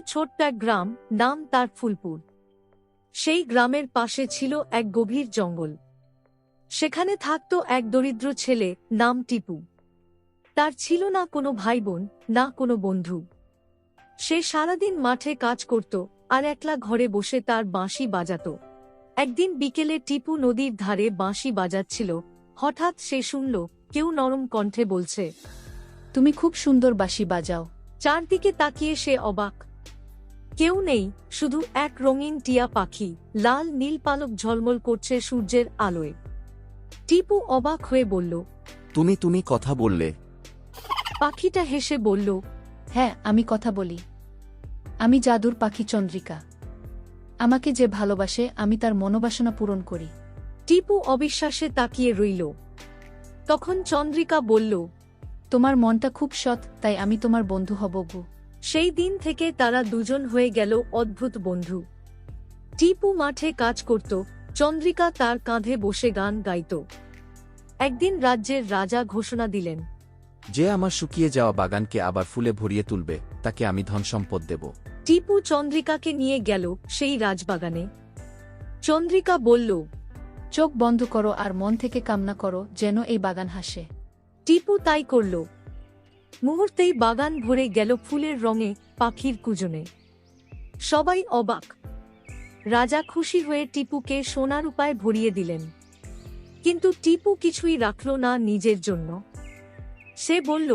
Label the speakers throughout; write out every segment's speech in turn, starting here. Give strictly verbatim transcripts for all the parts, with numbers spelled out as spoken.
Speaker 1: ছোট্ট এক গ্রাম, নাম তার ফুলপুর। সেই গ্রামের পাশে ছিল এক গভীর জঙ্গল। সেখানে থাকত এক দরিদ্র ছেলে, নাম টিপু। তার ছিল না কোনো ভাই বোন, না কোনো বন্ধু। সে সারাদিন মাঠে কাজ করত আর একলা ঘরে বসে তার বাঁশি বাজাত। একদিন বিকেলে টিপু নদীর ধারে বাঁশি বাজাচ্ছিল। হঠাৎ সে শুনল কেউ নরম কণ্ঠে বলছে,
Speaker 2: তুমি খুব সুন্দর বাঁশি বাজাও।
Speaker 1: চারদিকে তাকিয়ে সে অবাক। কেউ নেই, শুধু এক রঙিন টিয়া পাখি, লাল নীল পালক ঝলমল করছে সূর্যের আলোয়। টিপু অবাক হয়ে বলল,
Speaker 3: তুমি তুমি কথা বললে?
Speaker 1: পাখিটা হেসে বলল,
Speaker 2: হ্যাঁ, আমি কথা বলি। আমি জাদুর পাখি চন্দ্রিকা। আমাকে যে ভালোবাসে আমি তার মনোবাসনা পূরণ করি।
Speaker 1: টিপু অবিশ্বাসে তাকিয়ে রইল। তখন চন্দ্রিকা বলল,
Speaker 2: তোমার মনটা খুব সৎ, তাই আমি তোমার বন্ধু হব গো।
Speaker 1: সেই দিন থেকে তারা দুজন হয়ে গেল অদ্ভুত বন্ধু। টিপু মাঠে কাজ করত, চন্দ্রিকা তার কাঁধে বসে গান গাইত। একদিন রাজ্যের রাজা ঘোষণা দিলেন,
Speaker 3: যে আমার শুকিয়ে যাওয়া বাগানকে আবার ফুলে ভরিয়ে তুলবে তাকে আমি ধনসম্পদ দেব।
Speaker 1: টিপু চন্দ্রিকাকে নিয়ে গেল সেই রাজবাগানে। চন্দ্রিকা বলল,
Speaker 2: চোখ বন্ধ করো আর মন থেকে কামনা করো যেন এই বাগান হাসে।
Speaker 1: টিপু তাই করল। মুহূর্তেই বাগান ভরে গেল ফুলের রঙে, পাখির কুজনে। সবাই অবাক। রাজা খুশি হয়ে টিপুকে সোনার উপায় ভরিয়ে দিলেন। কিন্তু টিপু কিছুই রাখল না নিজের জন্য। সে বলল,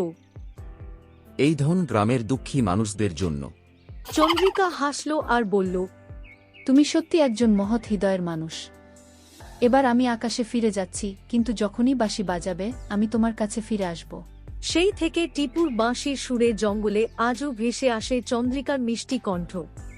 Speaker 3: এই ধন গ্রামের দুঃখী মানুষদের জন্য।
Speaker 1: চন্দ্রিকা হাসল আর বলল,
Speaker 2: তুমি সত্যি একজন মহৎ হৃদয়ের মানুষ। এবার আমি আকাশে ফিরে যাচ্ছি, কিন্তু যখনই বাঁশি বাজাবে আমি তোমার কাছে ফিরে আসব।
Speaker 1: সেই থেকে টিপুর বাঁশির সুরে জঙ্গলে আজও ভেসে আসে চন্দ্রিকার মিষ্টি কণ্ঠ।